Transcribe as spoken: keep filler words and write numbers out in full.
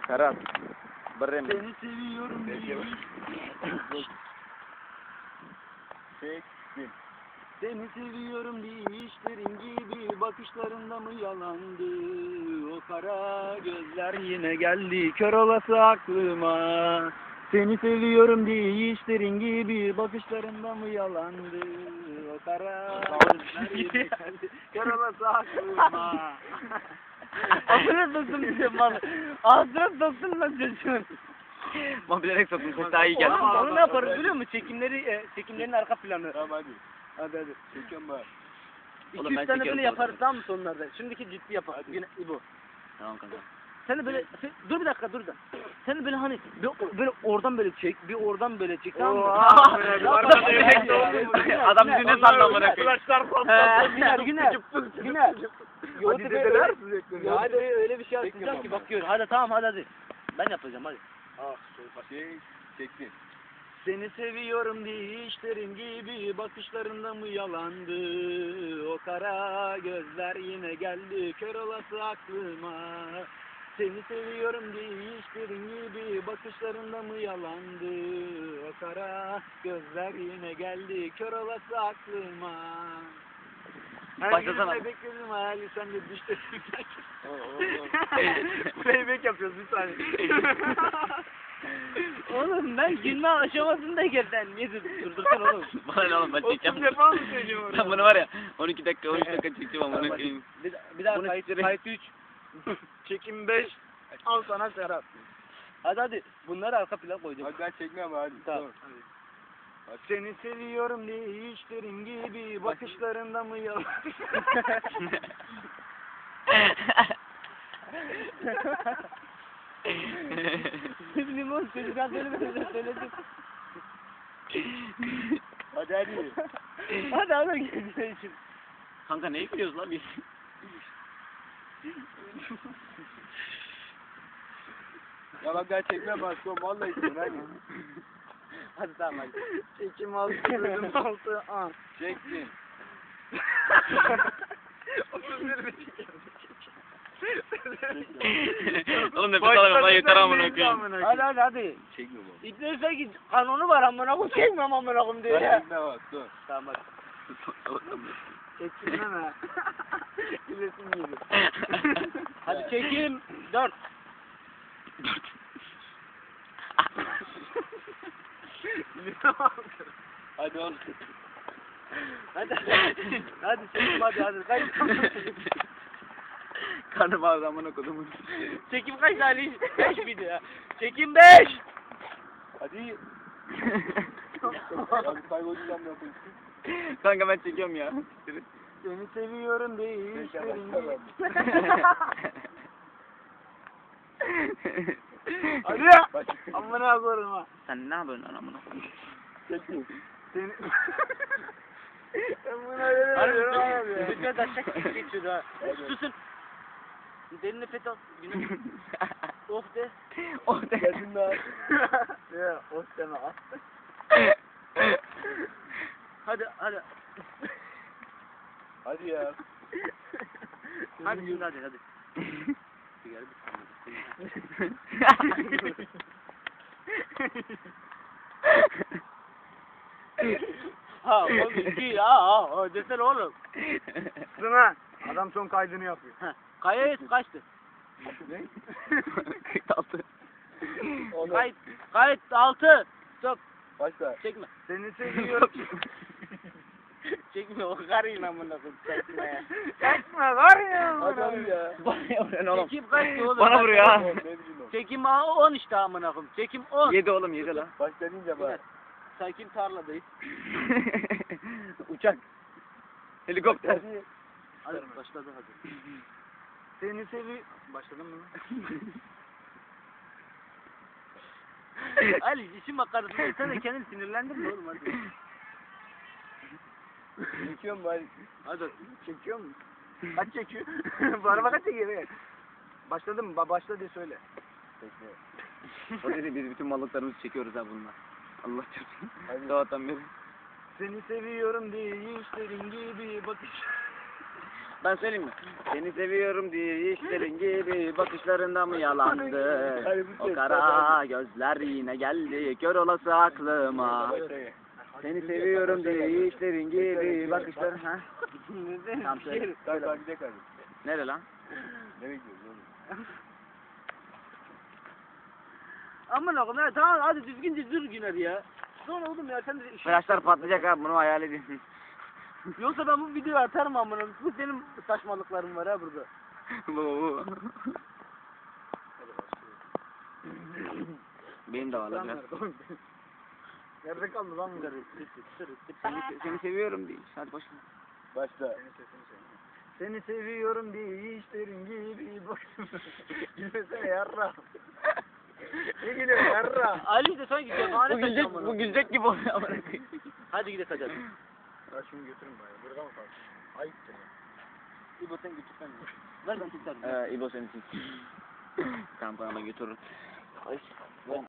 Ferhat. Brem. Seni seviyorum diye. Çektim. Seni seviyorum diye işlerin gibi bakışlarında mı yalandı? O kara gözler yine geldi kör olası aklıma. Seni seviyorum diye işlerin gibi bakışlarında mı yalandı? O kara gözler yine geldi kör olası aklıma. Ağzına soktum bize mal. Ağzına soktum lan çocuğun. Ama bilerek soktum. Ses daha iyi geldi. Oğlum onu ne yaparız biliyor musun? Çekimleri, e, çekimlerin arka planı. Tamam hadi. Hadi hadi. Çekiyorum ben. İki Oğlum ben üç tane çekiyorum böyle yaparız sonra. tamam mı sonlarda? Şimdiki ciddi yaparız. Yine İbo. Tamam kanka. Sen de böyle, sen- dur bir dakika dur da. Sen de böyle hani bir, böyle oradan böyle çek, bir oradan böyle çek tamam mı? Oo, Ya, var bak, mı? Güner, Güner, Adam Güner, bizi ne sandı amına Güner, koyayım? He, Güner, Güner, Güner. Yoğurt Hadi böyle- dedeler Ya hadi öyle bir şey atacağım ki bak gör. Hadi tamam hadi hadi. Ben yapacağım hadi. Ah şey çektim. Seni seviyorum diye işlerin gibi bakışlarında mı yalandı? O kara gözler yine geldi kör olası aklıma. Seni seviyorum diye işlerin gibi bakışlarında mı yalandı? O kara gözler yine geldi kör olası aklıma. Her Başlasana. gün bekledim hayali sen de düşte playback yapıyoruz bir saniye. Oğlum ben gülme aşamasındayken sen niye durdursan oğlum? Bana ne oğlum ben çekeceğim. Otuz defa mı söylüyorum? Ben bunu var ya on iki dakika on üç dakika çekeceğim amına koyayım. Bir, bir daha Bunu kayıt, siktireyim. kayıt üç. Çekim beş. Al sana Serap. Hadi hadi bunları arka plan koyacağım. Hadi ben çekmem hadi. Tamam. Seni seviyorum diye işlerin gibi bakışlarında mı yalan? Ne bileyim oğlum çocuklar söylemeden söyledim. Hadi hadi. Hadi hadi gelin şimdi. Kanka neyi biliyoruz lan biz? Ya bak ben çekmem ben son vallahi istiyorum hadi. Hadi tamam hadi. Çekim altı, bölüm altı, an. Çektim. otuz bir mi çekiyorum? Oğlum nefes alamıyorum lan yeter amına koyayım. Hadi hadi hadi. Çekmiyor bu. İbneyse ki kanunu var amına koyayım çekmem amına koyayım diyor Ben ya. çekmem bak dur. Tamam hadi. Çekilmem ha. Gülesim geliyor. Hadi çekim. Dört. Hadi oğlum. Hadi. Hadi çekim hadi hadi. Kaç Karnım ağrıdı amına kodumun. çekim kaç tane? Beş miydi ya? Çekim beş. Hadi. Abi kaybolacağım ne yapayım? Kanka ben çekiyorum ya. Seni seviyorum değil. Çekemem, Hadi ya. Amına koyayım ha. Sen ne yapıyorsun lan amına koyayım? Çekim. Seni... Ben buna veriyorum abi ya. Lütfen taşak geçiyor ha. Susun. Derin nefes al. Günüm. Oh de. Oh de. Geldin daha. Ya oh deme at. Hadi hadi. Hadi ya. Hadi şimdi hadi hadi. Sigara Ha oğlum iki ha ha desene oğlum. Sına adam son kaydını yapıyor. Ha. Kayıt kaçtı? Ne? kırk altı. Kayıt kayıt altı. Stop. Başla. Çekme. Seni seviyorum. Çekme o karıyla amına koyayım. Çekme ya. Çekme karıyla Hadi amına hadi ya. Bana vuruyor oğlum. Çekim kaçtı oğlum? Bana vuruyor ha. Çekim on işte amına koyayım. Çekim on. Yedi oğlum yedi lan. Başla deyince bak. Sakin tarladayız. Uçak. Helikopter. Hadi. Hadi başladı hadi. Seni sevi... Başladın mı? Ali işin makarasını sen de kendini sinirlendin mi oğlum hadi. Çekiyorum ben. Hadi çekiyor musun? Kaç çekiyor? Bu araba kaç çekiyor? Evet. Başladı mı? Ba başla diye söyle. Bekle. O dedi biz bütün mallıklarımızı çekiyoruz ha bununla. Allah çarpsın. Sabahtan beri. Seni seviyorum diye işlerin gibi bakış. Ben söyleyeyim mi? Seni seviyorum diye işlerin gibi bakışlarında mı yalandı? O kara gözler yine geldi kör olası aklıma. Seni seviyorum diye işlerin gibi bakışların ha? Tamam söyle. Tamam tamam gidelim hadi. Nere lan? Nereye gidiyoruz oğlum? Aman oğlum ya tamam hadi düzgünce dur Güner ya. Sonra oğlum ya sen de işin- Flaşlar patlayacak abi bunu hayal edin. Yoksa ben bu videoyu atarım amına. Bu senin saçmalıkların var ha burada. Bu bu. Benim de var lan biraz. Nerede kaldı lan bu? Seni, seni seviyorum diye. Hadi boş ver. Başla. Seni seviyorum diye işlerin gibi bak. Gülmesene yarra. Ne gülüyorsun yarra? Ali de sanki cephaane Bu gülecek, bu gülecek gibi oluyor ama. Hadi gidelim hadi. Ya şunu götürün bari. Burada mı kalsın? Ayıptır ya. İbo sen götürsen. Ver ben tutarım. Ee, İbo senin için. Tamam bana götürürüm.